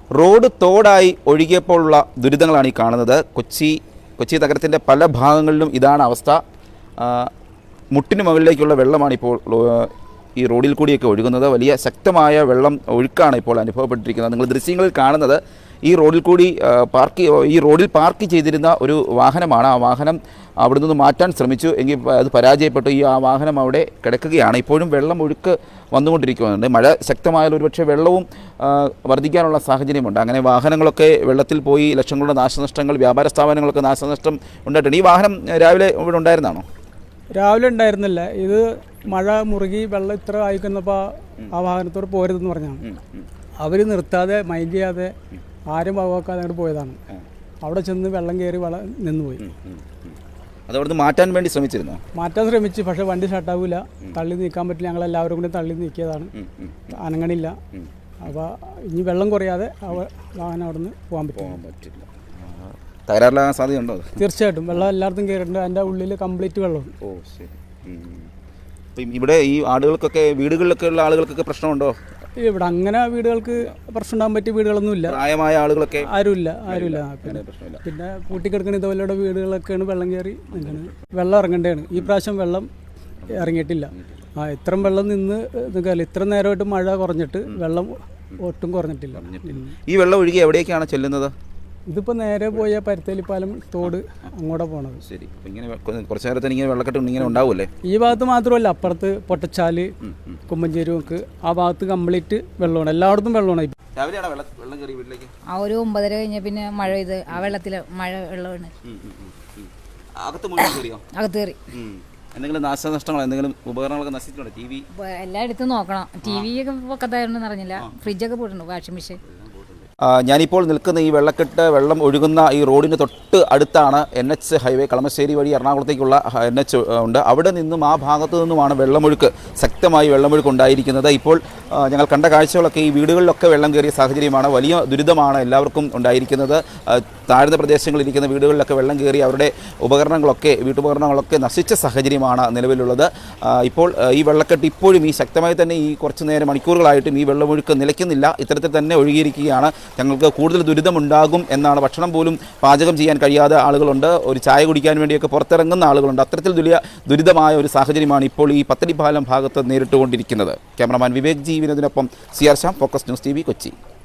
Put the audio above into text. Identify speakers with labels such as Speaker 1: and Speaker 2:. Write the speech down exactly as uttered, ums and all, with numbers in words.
Speaker 1: Road തോടായി ഒഴുകിയപ്പോഴുള്ള ദുരിതങ്ങളാണ് ഈ കാണുന്നത്. കൊച്ചി കൊച്ചി നഗരത്തിൻ്റെ പല ഭാഗങ്ങളിലും ഇതാണ് അവസ്ഥ. മുട്ടിന് മുകളിലേക്കുള്ള വെള്ളമാണ് ഇപ്പോൾ ഈ റോഡിൽ കൂടിയൊക്കെ ഒഴുകുന്നത്. വലിയ ശക്തമായ വെള്ളം ഒഴുക്കാണ് ഇപ്പോൾ അനുഭവപ്പെട്ടിരിക്കുന്നത്. നിങ്ങൾ ദൃശ്യങ്ങളിൽ കാണുന്നത് ഈ റോഡിൽ കൂടി പാർക്ക് ഈ റോഡിൽ പാർക്ക് ചെയ്തിരുന്ന ഒരു വാഹനമാണ്. ആ വാഹനം അവിടെ നിന്ന് മാറ്റാൻ ശ്രമിച്ചു, എങ്കിൽ അത് പരാജയപ്പെട്ടു. ഈ ആ വാഹനം അവിടെ കിടക്കുകയാണ്. ഇപ്പോഴും വെള്ളം ഒഴുക്ക് വന്നുകൊണ്ടിരിക്കുന്നുണ്ട്. മഴ ശക്തമായാൽ ഒരുപക്ഷെ വെള്ളവും വർദ്ധിക്കാനുള്ള സാഹചര്യമുണ്ട്. അങ്ങനെ വാഹനങ്ങളൊക്കെ വെള്ളത്തിൽ പോയി ലക്ഷങ്ങളുടെ നാശനഷ്ടങ്ങൾ, വ്യാപാര സ്ഥാപനങ്ങളൊക്കെ നാശനഷ്ടം ഉണ്ടായിട്ടുണ്ട്. ഈ വാഹനം രാവിലെ ഇവിടെ ഉണ്ടായിരുന്നാണോ?
Speaker 2: രാവിലെ ഉണ്ടായിരുന്നില്ല. ഇത് മഴ മുറുകി വെള്ളം ഇത്ര ആയിക്കുന്നപ്പോൾ ആ വാഹനത്തോട് പോരുതെന്ന് പറഞ്ഞാണ്. അവർ നിർത്താതെ മൈൻഡ് ചെയ്യാതെ ആരും വകവെക്കാതെ അങ്ങോട്ട് പോയതാണ്. അവിടെ ചെന്ന് വെള്ളം കയറി വെള്ളം നിന്നുപോയി.
Speaker 1: അതവിടുന്ന് മാറ്റാൻ വേണ്ടി ശ്രമിച്ചിരുന്നു
Speaker 2: മാറ്റാൻ ശ്രമിച്ചു, പക്ഷേ വണ്ടി സ്റ്റാർട്ടാവില്ല. തള്ളി നീക്കാൻ പറ്റില്ല. ഞങ്ങളെല്ലാവരും കൂടി തള്ളി നീക്കിയതാണ്. അനങ്ങണില്ല. അപ്പോൾ ഇനി വെള്ളം കുറയാതെ വാഹനം അവിടെ നിന്ന് പോകാൻ പറ്റില്ല.
Speaker 1: തകരാറിലാകാൻ സാധ്യതയുണ്ടോ?
Speaker 2: തീർച്ചയായിട്ടും. വെള്ളം എല്ലായിടത്തും കയറിയിട്ടുണ്ട്. അതിൻ്റെ ഉള്ളിൽ കംപ്ലീറ്റ് വെള്ളമുണ്ട്.
Speaker 1: ഓ ശരി. ഇവിടെ ഈ ആളുകൾക്കൊക്കെ, വീടുകളിലൊക്കെ ഉള്ള ആളുകൾക്കൊക്കെ പ്രശ്നമുണ്ടോ?
Speaker 2: ഇവിടെ അങ്ങനെ വീടുകൾക്ക് പ്രശ്നം ഉണ്ടാകാൻ പറ്റിയ വീടുകളൊന്നുമില്ല.
Speaker 1: പ്രായമായ ആളുകളൊക്കെ
Speaker 2: ആരുമില്ല ആരുമില്ല പിന്നെ പിന്നെ കൂട്ടിക്കിടക്കുന്ന ഇതുപോലെയുള്ള വീടുകളൊക്കെയാണ് വെള്ളം കയറി നിൽക്കുന്നത്. വെള്ളം ഇറങ്ങേണ്ടതാണ്. ഈ പ്രാവശ്യം വെള്ളം ഇറങ്ങിയിട്ടില്ല. ആ ഇത്രയും വെള്ളം നിന്ന് നിൽക്കാറില്ല. ഇത്ര നേരമായിട്ട് മഴ കുറഞ്ഞിട്ട് വെള്ളം ഒട്ടും കുറഞ്ഞിട്ടില്ല.
Speaker 1: ഈ വെള്ളം ഒഴുകി എവിടേക്കാണ് ചെല്ലുന്നത്?
Speaker 2: ഇതിപ്പോൾ നേരെ പോയ പരുത്തേലിപ്പാലം തോട് അങ്ങോട്ടാ പോണത്.
Speaker 1: ശരി. ഇങ്ങനെ കുറച്ച് നേരത്തിന് ഇങ്ങനെ വെള്ളക്കെട്ട് ഇങ്ങനെ ഉണ്ടാവുമല്ലേ?
Speaker 2: ഈ ഭാഗത്ത് മാത്രമല്ല, അപ്പുറത്ത് പൊട്ടച്ചാല്, കുമ്പഞ്ചേരിക്ക് ആ ഭാഗത്ത് കംപ്ലീറ്റ് വെള്ളമാണ്. എല്ലായിടത്തും വെള്ളമാണ്.
Speaker 3: ആ ഒരു ഒമ്പതര കഴിഞ്ഞ പിന്നെ മഴ പെയ്ത് ആ വെള്ളത്തില് മഴ വെള്ളമാണ് അകത്ത് കയറി.
Speaker 1: എന്തെങ്കിലും നാശനഷ്ടങ്ങൾ, എന്തെങ്കിലും ഉപകരണങ്ങളൊക്കെ നശിച്ചിട്ടുണ്ടോ? ടി വി
Speaker 3: എല്ലാം എടുത്ത് നോക്കണം. ടി വി ഒക്കെ പൊക്കത്തായിരുന്നു അറിഞ്ഞില്ല. ഫ്രിഡ്ജൊക്കെ പോയിട്ടുണ്ട്, വാഷിംഗ് മെഷീൻ.
Speaker 1: ഞാനിപ്പോൾ നിൽക്കുന്ന ഈ വെള്ളക്കെട്ട് വെള്ളം ഒഴുകുന്ന ഈ റോഡിന് തൊട്ട് അടുത്താണ് എൻ എച്ച് ഹൈവേ. കളമശ്ശേരി വഴി എറണാകുളത്തേക്കുള്ള എൻ എച്ച് ഉണ്ട്. അവിടെ നിന്നും ആ ഭാഗത്തു നിന്നുമാണ് വെള്ളമൊഴുക്ക്, ശക്തമായി വെള്ളമൊഴുക്ക് ഉണ്ടായിരിക്കുന്നത്. ഇപ്പോൾ ഞങ്ങൾ കണ്ട കാഴ്ചകളൊക്കെ ഈ വീടുകളിലൊക്കെ വെള്ളം കയറിയ സാഹചര്യമാണ്. വലിയ ദുരിതമാണ് എല്ലാവർക്കും ഉണ്ടായിരിക്കുന്നത്. താഴ്ന്ന പ്രദേശങ്ങളിലിരിക്കുന്ന വീടുകളിലൊക്കെ വെള്ളം കയറി അവരുടെ ഉപകരണങ്ങളൊക്കെ, വീട്ടുപകരണങ്ങളൊക്കെ നശിച്ച സാഹചര്യമാണ് നിലവിലുള്ളത്. ഇപ്പോൾ ഈ വെള്ളക്കെട്ട് ഇപ്പോഴും ഈ ശക്തമായി തന്നെ ഈ കുറച്ച് നേരം മണിക്കൂറുകളായിട്ടും ഈ വെള്ളമൊഴുക്ക് നിലയ്ക്കുന്നില്ല. ഇത്തരത്തിൽ തന്നെ ഒഴുകിയിരിക്കുകയാണ്. ഞങ്ങൾക്ക് കൂടുതൽ ദുരിതമുണ്ടാകും എന്നാണ്. ഭക്ഷണം പോലും പാചകം ചെയ്യാൻ കഴിയാതെ ആളുകളുണ്ട്. ഒരു ചായ കുടിക്കാൻ വേണ്ടിയൊക്കെ പുറത്തിറങ്ങുന്ന ആളുകളുണ്ട്. അത്തരത്തിൽ വലിയ ദുരിതമായ ഒരു സാഹചര്യമാണ് ഇപ്പോൾ ഈ പത്തടിപ്പാലം ഭാഗത്ത് നേരിട്ടുകൊണ്ടിരിക്കുന്നത്. ക്യാമറമാൻ വിവേക് ജി വിനോദിനൊപ്പം C R Shyam, Focus News T V, Kochi.